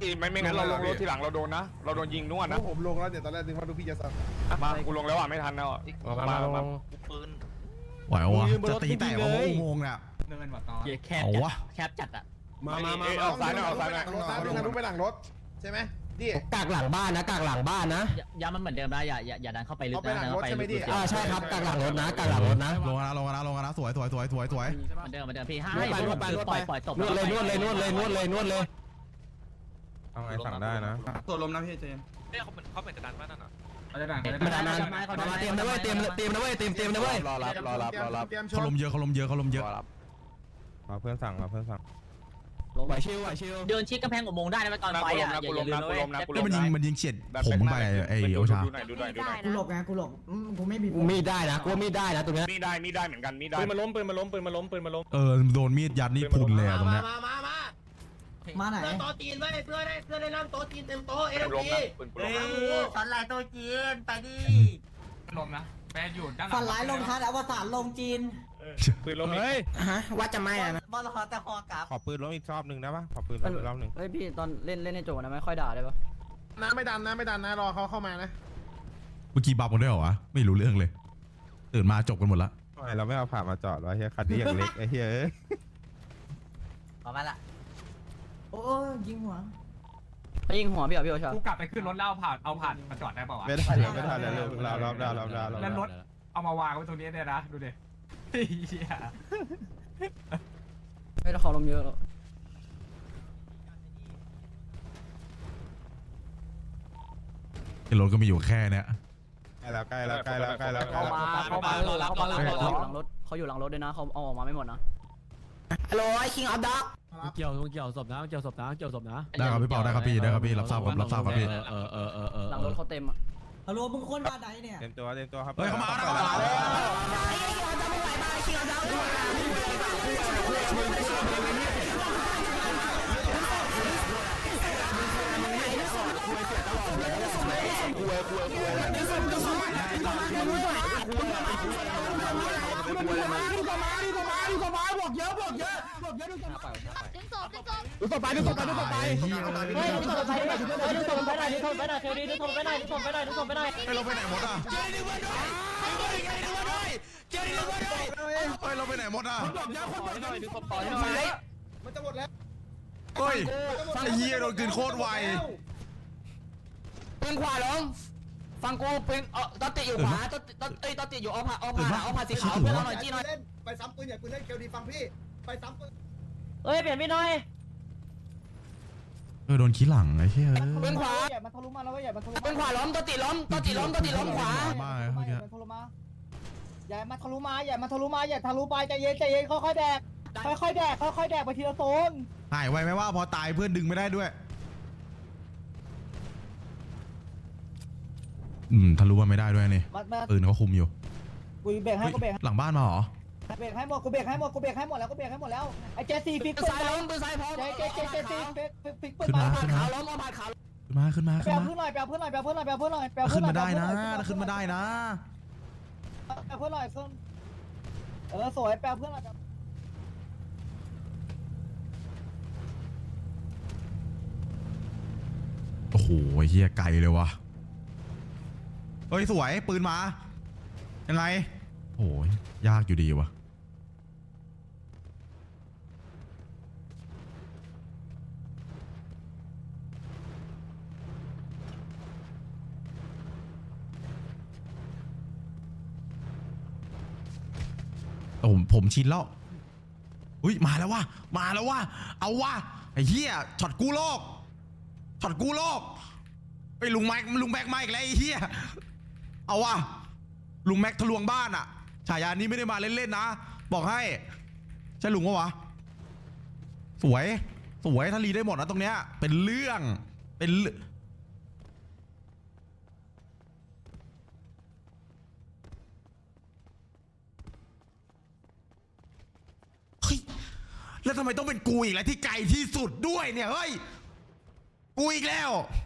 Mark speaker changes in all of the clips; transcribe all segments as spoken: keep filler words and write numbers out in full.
Speaker 1: ไม่ไม่งั้นเราลงรถทีหลังเราโดนนะเราโดนยิงนู่นนะ
Speaker 2: ผมลงแล้วเดี๋ยวตอนแรกนึกว่าดูพี่จะสั่ง
Speaker 1: มากูลงแล้วอ่ะไม่ทันแล้วมามา
Speaker 3: ปืน
Speaker 4: ไหววะจะตีแตกว่าอุโมงค์เนี่ย
Speaker 5: เนินว่ะต่อ
Speaker 3: แคบจัดแคบจัดอ่ะ
Speaker 1: มามามาเอาซ้ายหน่อยเอาซ้ายหน่อย
Speaker 2: รถซ้ายไปทางนู้นไปหลังรถใช่ไหมดิ
Speaker 6: กากหลังบ้านนะกากหลังบ้านนะ
Speaker 3: ย้ำมันเหมือนเดิมนะอย่าอย่าอย่าดันเข้าไปลึกนะดันเข้าไปลึก
Speaker 6: อ่าใช่ครับกากหลังรถนะกากหลังรถนะ
Speaker 4: ลงนะลงนะลงนะสวยสวยสวยสวยสวย
Speaker 3: เหมือนเดิมเหมือนเดิมพี่ห้าให้ปล่อยปล่อยตบ
Speaker 6: นวดเลยนวดเลยนวดเลยนวดเลยนวดเลย
Speaker 7: เอาไงสั่งได้นะ
Speaker 5: ตัวลมนะพี่เจม
Speaker 3: เขาเหมือนเขาเหมือนจะดันบ้านนั่นน่ะ
Speaker 5: เขาจะดัง
Speaker 6: มาดันมาเตรียมนะเว้ยเตรียมเตรียมนะเว้ยเตรียมเตรียมนะเว้ย
Speaker 7: รอรับรอรับรอรับ
Speaker 4: เขาลมเยอะเขาลมเยอะเขาลมเยอะ
Speaker 7: มาเพื่อนสั่งมาเพื่อนสั่ง
Speaker 6: ไหวชิวไหวชิว
Speaker 3: เดินชิดกำแพงอุโมงค์ได้นะตอนไฟอ่ะอย่าอย่าลืมเลย
Speaker 4: แล้วมันยิงมันยิงเฉียดผมไปไอ้โอชา
Speaker 1: ดูหน่อยดูหน่อยดูหน่อย
Speaker 8: กูหลบไงกูหลบกูไม่มี
Speaker 6: มีดได้นะกูมีดได้นะตรงนี้
Speaker 1: มีได้มีได้เหมือนกันมีได้
Speaker 5: ปืนมาล้มปืนมาล้มปืนมาล้มปืนมาล้ม
Speaker 4: เออโดนมีดยัดนี่พุนเลยตรงเนี้ย
Speaker 8: มามามามาไหนโต๊ะจีนไว้เพื่อได้เพื่อได้นั่งโต๊ะจีนเต็มโต๊ะเอ็มพีเฮ้ยฝันลายโต๊ะจีนไปดิ
Speaker 5: ลมนะแปดอยู่ด้านหลัง
Speaker 8: ฝันลายลงทันอวสานลงจีน
Speaker 1: ปืนล้มเฮ้ย
Speaker 6: ฮะว่าจะไม่อะนะ
Speaker 8: บอลฮอแต่ฮอกลับ
Speaker 7: ขอปืนล้มอีกรอบหนึ่งได้ปะขอปืนล้มอีกรอบหนึ่ง
Speaker 6: เฮ้ยพี่ตอนเล่นเล่นในโจนะไม่ค่อยด่าได้ปะ
Speaker 2: น้ำไม่ดันนะไม่ดันนะรอเขาเข้ามานะ
Speaker 4: เมื่อกี้บับกันด้วยเหรอวะไม่รู้เรื่องเลยตื่นมาจบกันหมดละ
Speaker 7: ทำไมเราไม่เอาผ่ามาจอดวะเฮียคันนี้อย่างเล็กไอ้เฮียเอ้ย
Speaker 8: ออกมาละโอ้ยิงหัว
Speaker 6: เขายิงหัวพี่เหรอพี่โอชา
Speaker 5: กูกลับไปขึ้นรถแล้วเอาผ่านเอาผ่านมาจอดได้ป่าวะ
Speaker 7: ไม่ได้เลยไม่ทันเลยเรารอบดาวรอบดาว
Speaker 5: แล้วรถเอามาวางไว้ตรงนี้เนี่ยนะดูดิเฮีย
Speaker 6: ไม่ต้องเขาลมเยอะหรอก
Speaker 4: รถก็มีอยู่แค่เนี้ย
Speaker 7: ใกล้แล้วใกล้แล้วใกล้แล้วใกล้แล้ว
Speaker 6: เขามาเขามาเขามาเขาอยู่หลังรถเขาอยู่หลังรถด้วยนะเขาเอาออกมาไม่หมดนะฮัลโหลไอ้คิงออฟด็อก
Speaker 9: เกี่ยวเกี่ยวศพนะเกี่ยวศพนะเกี่ยวศพนะ
Speaker 4: ได้ครับพี่เปาได้ครับพี่ได้ครับพี่รับทราบครับรับทราบครับพี่
Speaker 9: เออเออเออเออ
Speaker 6: หลังรถเขาเต็มอ่ะ
Speaker 8: ฮัลโหลมึงคนบ้านไหนเนี่ย
Speaker 7: เต็มตัวเต็มตัวครับ
Speaker 4: เฮ้ยเข้ามาเข้ามาดูต่อไปดูต่อไปดูต่อไป
Speaker 3: เฮ้ยดูศพไปดูศพไปหน่อยดูศพไปหน่อยเทลดีดูศพไปหน่อยดูศพไปหน่อยดูศพไปหน่อย
Speaker 4: ไปเราไปไหนหมดอ่ะไปเราไปไหนหมดอ่ะ
Speaker 2: มันจะหมดแล้ว
Speaker 4: เฮ้ยไอ้เหี้ยโดนกินโคตรไว
Speaker 6: ปืนขวาลงฟังกูปืนเออตอติอยู่ขวาตอติตอติตอติอยู่เอาผ่าเอาผ่าเอาผ่าสีขาวเพื่อนเราหน่อยจี้หน่อย
Speaker 2: ไปซ้ำปืนอย่าปืนเล่นเคียวดีฟังพี่ไปซ้ำปืน
Speaker 3: เฮ้ยเปลี่ยนพี่หน่อย
Speaker 4: เออโดนขี้หลังไอ้เหี้ย
Speaker 6: ปืนขวา
Speaker 8: อย่ามาทะลุมาแล้วอย่ามาทะลุ
Speaker 6: ปืนขวาล้มตอติล้มตอติล้มตอติล้มขวา
Speaker 4: บ้าเมื่อกี้
Speaker 8: มาทะลุมาอย่ามาทะลุมาอย่ามาทะลุมาอย่าทะลุไปใจเย็นใจเย็นค่อยๆแดกค่อยๆแดกค่อยๆแดกไปทีละโซน
Speaker 4: หายไวไหมว่าพอตายเพื่อนดึงไม่ได้ด้วยอืมทะลุมาไม่ได้ด้วยนี่ปืนเขาคุมอยู่
Speaker 8: กูเบรกให้กูเบรก
Speaker 4: หลังบ้านมาเหรอ
Speaker 8: เบรกให้หมดกูเบรกให้หมดกูเบรกให้หมดแล้วกูเบรกให้หมดแล้วไอ้เจสี่ฟิก
Speaker 6: ปืนซ้ายล้มปืนซ้ายพร้อม
Speaker 8: เจเจเจเจสี่ฟิกฟิกปืน
Speaker 4: ขึ้น
Speaker 8: มา
Speaker 4: มาขึ้นมา
Speaker 6: ขาวล้มเอาผ่าขาว
Speaker 4: ขึ้นมาขึ้นมา
Speaker 8: แปล
Speaker 4: ขึ้นมา
Speaker 8: เพื่อนหน่อยแปลเพื่อนหน่อยแปลเพื่อนหน่อยแปลเพื่อนหน่อยแปลเพื่อนหน่อยแปลเพื่
Speaker 4: ขึ้
Speaker 8: อน นหน่
Speaker 4: มา
Speaker 8: อย
Speaker 4: ได้นะขึ้นมาได้นะ
Speaker 8: แปลเพื่อนหน่อยเพื่อนเออสวยแปลเพื่อนหน่อย
Speaker 4: โอ้โหเฮียไกลเลยวะเฮ้ยสวยปืนมายังไงโอ้ยยากอยู่ดีวะผมผมชินแล้วอุ้ยมาแล้ววะมาแล้ววะเอาวะไอ้เหี้ยช็อตกู้โลกช็อตกู้โลกไปลุงแม็กลุงแม็กมาอีกแล้วไอ้เหี้ยเอาวะลุงแม็กทะลวงบ้านอะฉายานี้ไม่ได้มาเล่นๆนะบอกให้ใช่ลุงปะวะสวยสวยถ้ารีได้หมดนะตรงเนี้ยเป็นเรื่องเป็นแล้วทำไมต้องเป็นกูอีกแล้วที่ไกลที่สุดด้วยเนี่ยเฮ้ยกูอีกแล้ว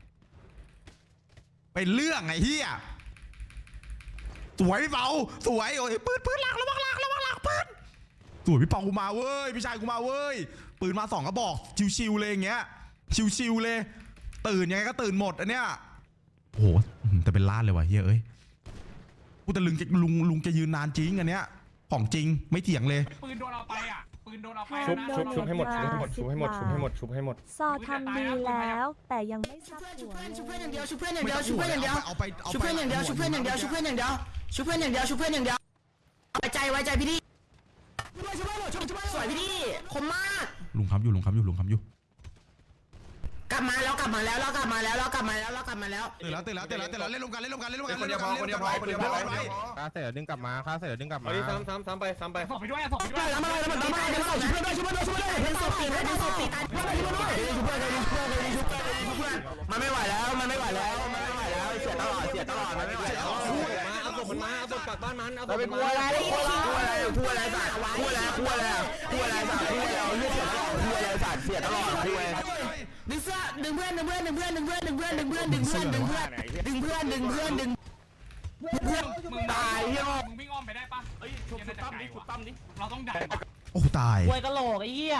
Speaker 4: เป็นเรื่องไอ้เหี้ยสวยพี่เปาสวยโอ้ยปืนปืนหลักระวังหลักระวังหลักปืนสวยพี่เปากูมาเว้ยพี่ชายกูมาเว้ยปืนมาสองกระบอกชิวๆเลยอย่างเงี้ยชิวๆเลย ตื่นยังไงก็ตื่นหมดอันเนี้ยโอ้โหแต่เป็นล้านเลยว่ะเฮ้ยเอ้ยกูแต่ลุงลุงลุงจะยืนนานจริงอันเนี้ยของจริงไม่เถียงเลย
Speaker 5: ปืนโดนเอาไปอ่ะปืนโดนเอาไป
Speaker 1: ชุบ
Speaker 5: นะ
Speaker 1: ชุบชุบให้หมดชุบให้หมดชุบให้หมดชุบให้หมดชุบให้หมด
Speaker 3: ซอทำดีแล้ว แต่ยังไม่ซับหัว
Speaker 6: ชุบ
Speaker 3: เล
Speaker 6: เพื่อน
Speaker 3: ย
Speaker 6: อย่างเดียวชุบเพื่อนอย่างเดียวชุบเพื่อนอย่างเดียว
Speaker 4: เอาไปเอา
Speaker 6: ชุบ
Speaker 4: ไป
Speaker 6: เพื่อนอย่างเดียวชุบเพื่อนอย่างเดียวชุบเพื่อนอย่างเดียวชุบเพื่อนอย่างเดียวชุบเพื่อนอย่างเดียวไว้ใจไว้ใจพี่ดิชุบเพื่อนชุบเพื่อนชุบเพื่อนสวยพี่ดิคมมาก
Speaker 4: ลุงคำอยู่ลุงคำอยู่ลุงคำอยู่
Speaker 6: กลับมาแล้วกลับมาแล้วเรากลับมาแล้วเรากลับมาแล้วเรากลับมาแล้ว
Speaker 4: ตื่นแล้วตื่นแล้วตื่นแล้วตื่นแล้วเล่นรวมกันเล่นรวมกันเล่นรวมกัน
Speaker 1: คนเดียวพอคนเดียวพอคนเดียวพอ
Speaker 7: ค่าเสร็จดึงกลับมาค่าเสร็จดึงกลับมา
Speaker 1: เอาดิซ้ำซ้ำซ้ำไปซ้ำไป
Speaker 5: ส่งไปด้วยส่งไปด้วย
Speaker 6: แล้วมาแล้วมาแล้วมาแล้วชุบเพื่อนด้วยชุบเพื่อนด้วยชุบเพื่อนด้วยเป็นศพตีนะเป็นศพตีตายชุบเพื่อนด้วยชุบเพื่อนด้วยชุบเพื่อนด้วยชุบเพื่อนด้วยชุบเพื่อนมันไม่ไหวแล้วมันไม่ไหวแล้วมันไม่ไหวแล้วเสียตลอดเสียตลอดมันไม่ไหวแล้ว
Speaker 1: เอาศพมันมาเอาศพกลับบ้านมันเอาศพ
Speaker 6: เป็
Speaker 1: มัน น
Speaker 6: กลั
Speaker 1: มาว
Speaker 6: อะไรกลัวอะไรกลัวอะไรสัตว์กลัวอะไรกลัวอะไรกลัวอะไรสัตว์กลัวอะไรเลือดเสียตลอดกลัวอะไรสัตว์เสียตลอดกลัวดึงเสื้อดึงเพื่อนดึงเพื่อนดึงเพื่อนดึงเพื่อนดึงเพื่อนดึงเพื่อนดึงเพื่อนดึงเพื่อนดึงเพื่อนดึงเพื่อนดึงเพื่อน
Speaker 5: มึง
Speaker 6: ตายเฮีย
Speaker 5: มึงวิ่งอ้อมไปได้ปะเอ้ยชุบชุบตั้มดิชุบตั้มดิเราต้องดัน
Speaker 4: โอ้ตาย
Speaker 3: ควยกะโหลกไอ้เหี้ย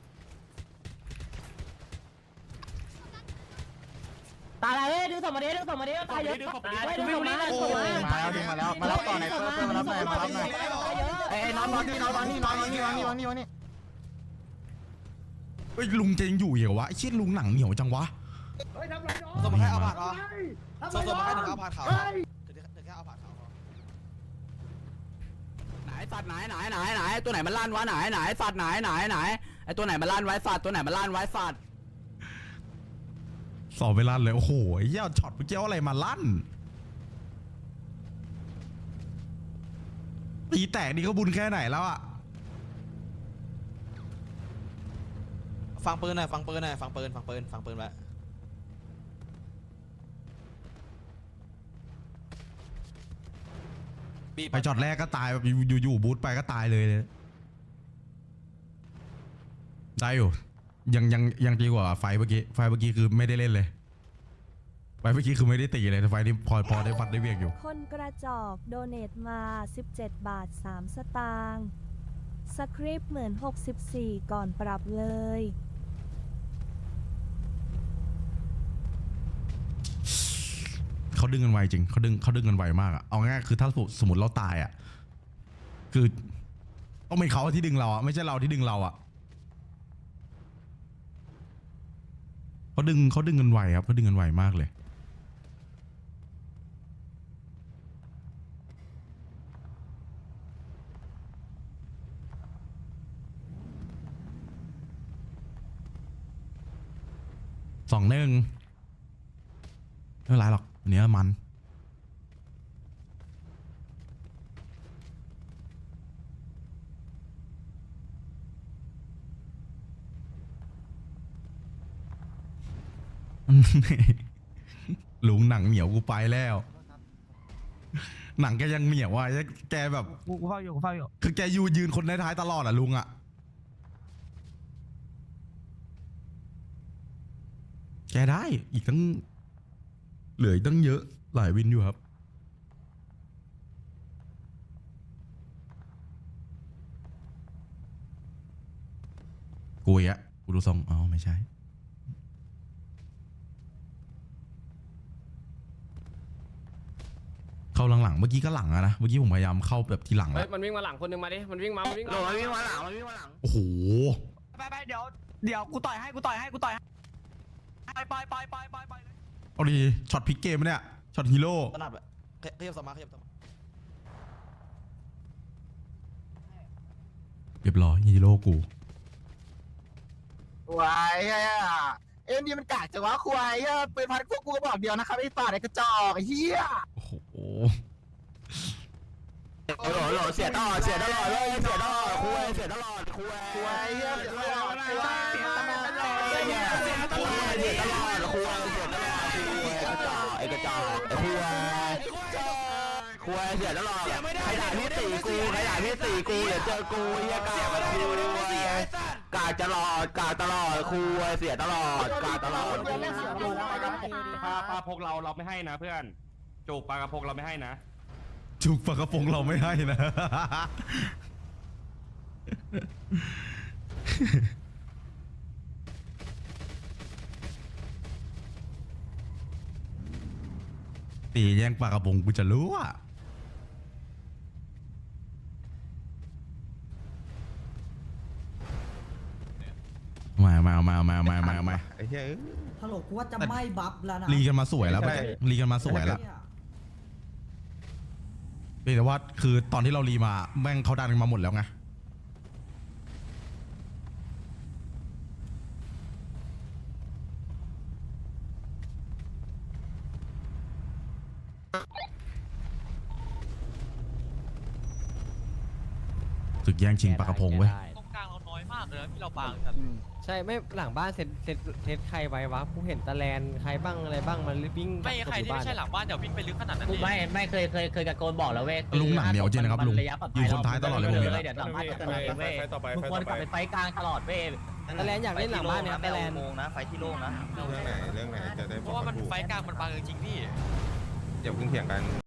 Speaker 3: ตายเลยดึงศพมาดิดึงศพมาดิตายเยอะดึงศพมาดึงศพมาดึงศพมา
Speaker 2: มาแล้วดึงมาแล้วมารับต่อไหนเพิ่มเพิ่มมารับหน่อยมารับหน่อยไอ้น้องน้องนี่น้องนี่น้องนี่น้องนี่น้องนี่น้องนี่
Speaker 4: เฮ้ยลุงจะยังอยู่เหรอวะไอ้เชี่ยลุงหนังเหนียวจังวะ
Speaker 2: เฮ้ยทำไรน้อง
Speaker 4: สมมติให้เอาผ่าน
Speaker 2: สมมติให้ถึงเอาผ่านเขา
Speaker 6: ไหนสัตว์ไหนไหนไหนไหนตัวไหนมันลั่นวะไหนไหนสัตว์ไหนไหนไหนไอตัวไหนมันลั่นไว้สัตว์ตัวไหนมันลั่นไว้สัตว์
Speaker 4: สอบไปลั่นเลยโอ้โหไอ้เหี้ยช็อตเมื่อกี้เอาอะไรมาลั่นตีแตกนี่ก็บุญแค่ไหนแล้วอะ
Speaker 10: ฟังปืนหน่อยฟังปืนหน่อยฟังปืนฟังปืนฟังปืนไว้
Speaker 4: ไปช็อตแรกก็ตายแบบอยู่ๆบูทไปก็ตายเลยเลยได้อยู่ยังยังยังดีกว่าไฟเมื่อกี้ไฟเมื่อกี้คือไม่ได้เล่นเลยไฟเมื่อกี้คือไม่ได้ตีเลยแต่ไฟนี้พอพอได้ฟัดได้เวียกอยู่
Speaker 3: คนกระจอกโดเนทมาสิบเจ็ดบาทสามสตางค์สคริปต์เหมือนหกสิบสี่ก่อนปรับเลย
Speaker 4: เขาดึงกันไวจริงเขาดึงเขาดึงกันไวมากอะเอาง่ายคือถ้าสมมติเราตายอะคือต้องเป็นเขาที่ดึงเราอะไม่ใช่เราที่ดึงเราอะเขาดึงเขาดึงกันไวครับเขาดึงกันไวมากเลยสองหนึ่งไม่เป็นไรหรอกอันนี้มันลุงหนังเหนียวกูไปแล้ว หนังแกยังเหนียวอ่ะแกแบบ
Speaker 5: กูเฝ้าอยู่กูเฝ้าอยู่
Speaker 4: คือแกยูยืนคนท้ายๆตลอดอ่ะลุงอ่ะแกได้อีกตั้งเหลืออีกตั้งเยอะหลายวินอยู่ครับกูอีกอะกูดูทรงอ๋อไม่ใช่เข้าหลังๆเมื่อกี้ก็หลังอะนะเมื่อกี้ผมพยายามเข้าแบบทีหลัง
Speaker 1: เฮ้
Speaker 4: อะ
Speaker 1: ยมันวิ่งมาหลังคนนึงมาดิมันวิ่งมามันวิ่ง
Speaker 6: โด
Speaker 1: มา
Speaker 6: นวิ่งมาหลังมันวิ่งมาหลัง
Speaker 4: โอ้โห
Speaker 5: ไปไปเดี๋ยวเดี๋ยวกูต่อยให้กูต่อยให้กูต่อยให้ไปไปไปไปไปเลย
Speaker 4: เอาดีช็อตพลิกเกมปะเนี่ยช็อตฮีโร่
Speaker 10: ถนัดแบบขยับสมาขยับสมา
Speaker 4: เรียบร้อยฮีโร่กู
Speaker 2: ควายเอ็มดีมันกากจังวะควายปืนพันพวกกูก็บอกเดียวนะครับไอ้ป่าไอ้กระจอกไอ้เหี้ย
Speaker 4: โอ้โห
Speaker 6: โอ้โหโหเสียตลอดเสียตลอดเลยเสียตลอดคุยเสียตลอดคุย
Speaker 2: ควายเหี้ยเสียตลอดควายเสียตลอด
Speaker 6: เสียตลอดเสียตลอดคุยเสียตลอดคุยกระจอกไอ้กระจอกไอ้คุยคุยเสียตลอดใครด่าพี่ตีกูใครด่าพี่ตีกูเดี๋ยวเจอกูเฮียกาคุยกาตลอดกาตลอดคุยเสียตลอดกาตลอด
Speaker 1: ปลาปลาพกเราเราไม่ให้นะเพื่อนจูบปลากระพงเราไม่ให้นะ
Speaker 4: จุกปากกระโปรงเราไม่ให้นะตีแย่งปลากระพงกูจะรู้อ่ะมามามามามามามา
Speaker 7: ไอ้เหี้ย
Speaker 8: ฮัลโหลกูว่าจะไม่บัฟแล้วนะ
Speaker 4: รีกันมาสวยแล้วรีกันมาสวยแล้วเพียงแต่ว่าคือตอนที่เรารีมาแม่งเขาดันกันมาหมดแล้วไงศึกแย่งชิงปลากระพงเว้ย
Speaker 5: ตรงกลางเราน้อยมากเลยนะที่เราบางกัน
Speaker 11: ใช่ไม่หลังบ้านเซตเซตเซตใครไว้วะกูเห็นตะแลนใครบ้างอะไรบ้างมันวิ่ง
Speaker 5: ไม่ใครที่ไม่ใช่หลังบ้านเดี๋ยววิ่งไปลึกขนาดนั้น
Speaker 8: ไม่ไม่เคยเคยเคยตะโกนบอกแล้วเว้ย
Speaker 4: ลุงหนังเหนียวจริงนะครับลุงอยู่คนท้ายตลอดเลยผมเห็น
Speaker 8: เดี๋ยวหลังบ้านจะเว้ยเว้ยมึงควรกลับไปไฟกลางตลอดเว้ย
Speaker 11: ตะแลนอยากเล่นหลังบ้านเนี่ยตะแลน
Speaker 8: โมงนะไฟที่โล่งนะ
Speaker 7: เรื่องไหนเรื่องไหนจะได้บ
Speaker 5: เพ
Speaker 7: อก
Speaker 5: ราะว่า
Speaker 7: กั
Speaker 5: มัน
Speaker 7: นถูก
Speaker 5: ไฟกลางมันบางจริงๆพี่
Speaker 7: อย่าเพิ่งเถียงกัน